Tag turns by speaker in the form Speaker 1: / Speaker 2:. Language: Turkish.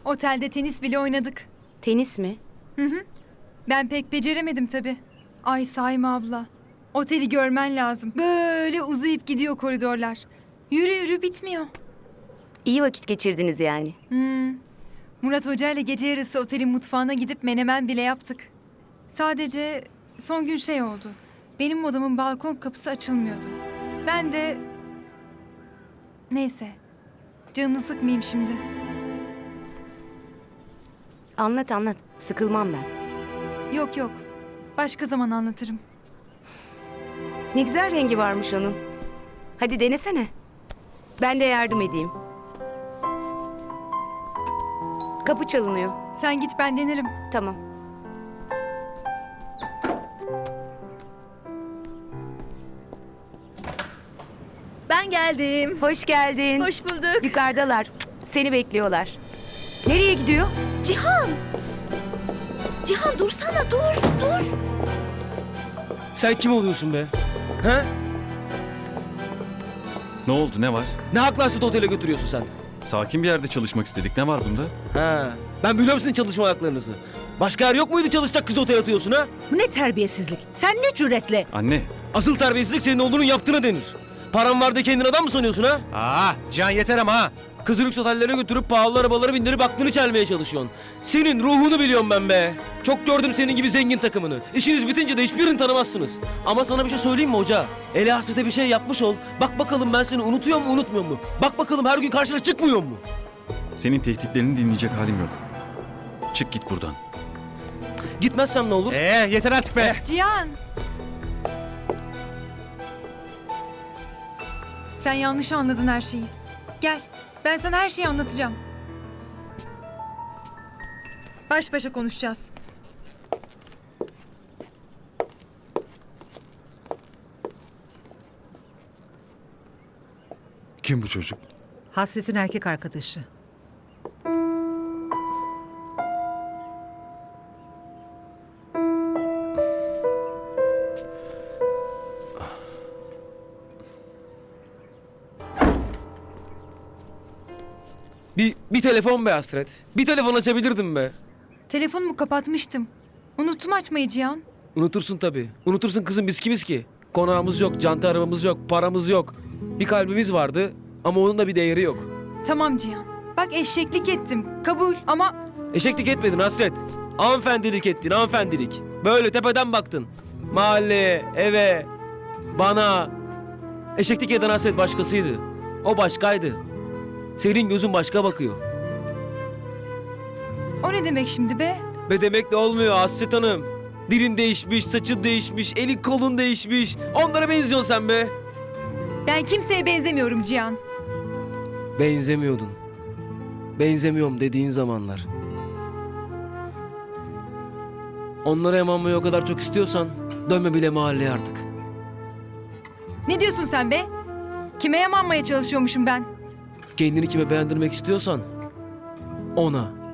Speaker 1: Otelde tenis bile oynadık.
Speaker 2: Tenis mi?
Speaker 1: Ben pek beceremedim tabii. Ay Saime abla. Oteli görmen lazım. Böyle uzayıp gidiyor koridorlar. Yürü yürü bitmiyor.
Speaker 2: İyi vakit geçirdiniz yani.
Speaker 1: Murat Hoca ile gece yarısı otelin mutfağına gidip menemen bile yaptık. Sadece son gün şey oldu. Benim odamın balkon kapısı açılmıyordu. Ben de... Neyse. Canını sıkmayayım şimdi.
Speaker 2: Anlat anlat. Sıkılmam ben.
Speaker 1: Yok yok. Başka zaman anlatırım.
Speaker 2: Ne güzel rengi varmış onun. Hadi denesene. Ben de yardım edeyim. Kapı çalınıyor.
Speaker 1: Sen git ben denerim.
Speaker 2: Tamam.
Speaker 3: Ben geldim.
Speaker 2: Hoş geldin.
Speaker 3: Hoş bulduk.
Speaker 2: Yukarıdalar. Seni bekliyorlar. Nereye gidiyor?
Speaker 3: Cihan! Cihan dursana dur.
Speaker 4: Sen kim oluyorsun be? He?
Speaker 5: Ne oldu, ne var?
Speaker 4: Ne hakla Süt Otel'e götürüyorsun sen?
Speaker 5: Sakin bir yerde çalışmak istedik. Ne var bunda?
Speaker 4: Ha. Ben biliyorum sizin çalışma haklarınızı. Başka yer yok muydu çalışacak kız otel atıyorsun ha?
Speaker 3: Bu ne terbiyesizlik? Sen ne cüretle?
Speaker 5: Anne,
Speaker 4: Asıl terbiyesizlik senin oğlunun yaptığına denir. Paran var da kendin adam mı sanıyorsun ha? Cihan yeter ama ha. Kızı lüks otellere götürüp pahalı arabalara bindirip aklını çelmeye çalışıyorsun. Senin ruhunu biliyorum ben be. Çok gördüm senin gibi zengin takımını. İşiniz bitince de hiçbirini tanımazsınız. Ama sana bir şey söyleyeyim mi hoca? Eli hasrete bir şey yapmış ol. Bak bakalım ben seni unutuyor mu unutmuyor mu? Bak bakalım her gün karşına çıkmıyor mu?
Speaker 5: senin tehditlerini dinleyecek halim yok. Çık git buradan.
Speaker 4: Gitmezsem ne olur?
Speaker 6: Yeter artık be.
Speaker 1: Cihan! Sen yanlış anladın her şeyi. Gel, ben sana her şeyi anlatacağım. Baş başa konuşacağız.
Speaker 6: Kim bu çocuk?
Speaker 7: Hasret'in erkek arkadaşı.
Speaker 4: Bir telefon be Hasret. Bir telefon açabilirdim be.
Speaker 1: Telefonumu kapatmıştım. Unuttum açmayı Cihan.
Speaker 4: Unutursun tabii. Unutursun kızım biz kimiz ki? Konağımız yok, canta arabamız yok, paramız yok. Bir kalbimiz vardı ama onun da bir değeri yok.
Speaker 1: Tamam Cihan. Bak eşeklik ettim. Kabul ama
Speaker 4: Eşeklik etmedin Hasret. Hanımefendilik ettin, hanımefendilik. Böyle tepeden baktın. Mahalleye, eve, bana. Eşeklik eden Hasret başkasıydı. O başkaydı. Senin gözün başka bakıyor.
Speaker 1: o ne demek şimdi be?
Speaker 4: Be demek de olmuyor Hasret Hanım. Dilin değişmiş, saçın değişmiş, elin kolun değişmiş. Onlara benziyorsun sen be.
Speaker 1: Ben kimseye benzemiyorum Cihan.
Speaker 4: Benzemiyordun. Benzemiyorum dediğin zamanlar. Onlara emanmayı o kadar çok istiyorsan dönme bile mahalleye artık.
Speaker 1: Ne diyorsun sen be? Kime yamanmaya çalışıyormuşum ben?
Speaker 4: Kendini kime beğendirmek istiyorsan ona.